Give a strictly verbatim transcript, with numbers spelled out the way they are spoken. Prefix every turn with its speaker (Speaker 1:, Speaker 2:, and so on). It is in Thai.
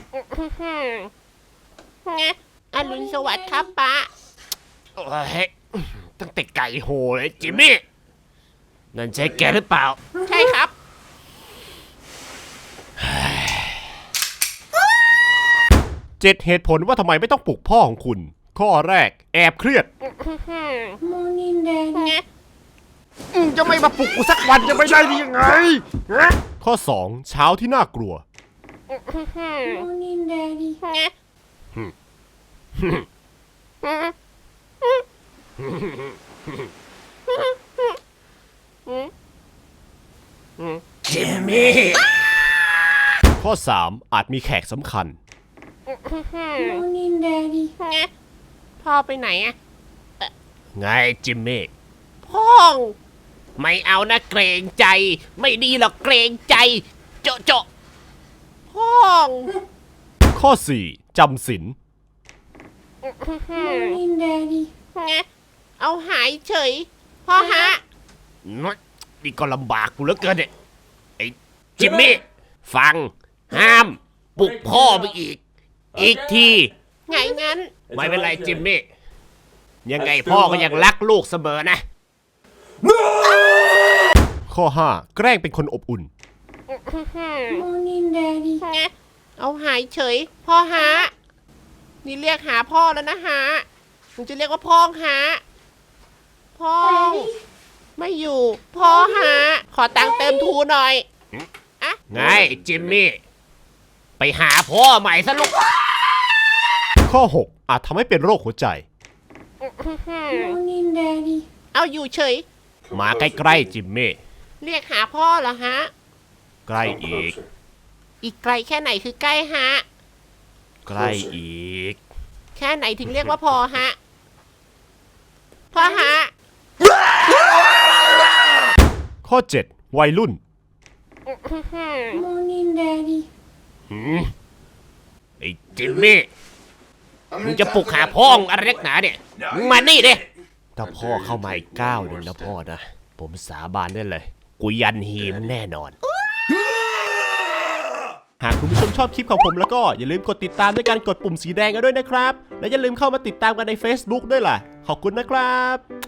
Speaker 1: ไงอรุณสวัสดิ์ครับป้า
Speaker 2: โอ้ยตั้งแต่ไก่โหเลยจิมมี่นั่นใช่แกหรือเปล่า
Speaker 1: ใช่ครับ
Speaker 2: เจ็ดเหตุผลว่าทำไมไม่ต้องปลุกพ่อของคุณข้อแรกแอบเครียด
Speaker 1: ไง
Speaker 2: จะไม่มาปลุกกูสักวันจะไม่ได้ดียังไงข้อสองเช้าที่น่ากลัว
Speaker 1: ไง
Speaker 2: จิมมี่ข้อสามอาจมีแขกสำคัญ
Speaker 1: ไงพ่อไปไหนอะ
Speaker 2: ไงจิมมี่
Speaker 1: พ่อ
Speaker 2: ไม่เอานะเกรงใจไม่ดีหรอกเกรงใจโจะโจะ
Speaker 1: พ่อ
Speaker 2: ข้อสี่จำศีล
Speaker 1: ไงเอาหายเฉยพ่อฮะ
Speaker 2: นี่ก็ลำบากกูเหลือเกินเนี่ยไอ้จิมมี่ฟังห้ามปลุกพ่อไปอีกอีกที
Speaker 1: ไงงั้น
Speaker 2: ไม่เป็นไรจิมมี่ยังไงพ่อก็ยังรักลูกเสมอนะข้อห้าแกล้งเป็นคนอบอุ่น
Speaker 1: ไงเอาหายเฉยพ่อฮะนี่เรียกหาพ่อแล้วนะฮะมึงจะเรียกว่าพ่อฮะพ่อไม่อยู่พ่อฮะขอตังค์เติมทูหน่อยอะ
Speaker 2: ไงจิมมี่ไปหาพ่อใหม่ซะลูกข้อหกอาจทำให้เป็นโรคหัวใจ
Speaker 1: เอาอยู่เฉย
Speaker 2: มาใกล้ๆจิมมี่
Speaker 1: เรียกหาพ่อเหรอฮะ
Speaker 2: ใกล้อีก
Speaker 1: อีกไกลแค่ไหนคือใกล้ฮะ
Speaker 2: ใกล้อีก
Speaker 1: แค่ไหนถึงเรียกว่าพ่อฮะพ่อฮะ
Speaker 2: ข้อเจ็ดวัยรุ่นไอ้จิมมี่มึงจะปลุกหาพ่ออะไรนักหนาเนี่ยมึงมานี่ดิถ้าพ่อเข้ามาอีกก้าวหนึ่งนะพ่อนะผมสาบานได้เลยกูยันฮีมแน่นอนหากคุณผู้ชมชอบคลิปของผมแล้วก็อย่าลืมกดติดตามด้วยการกดปุ่มสีแดงกันด้วยนะครับและอย่าลืมเข้ามาติดตามกันใน Facebook ด้วยล่ะขอบคุณนะครับ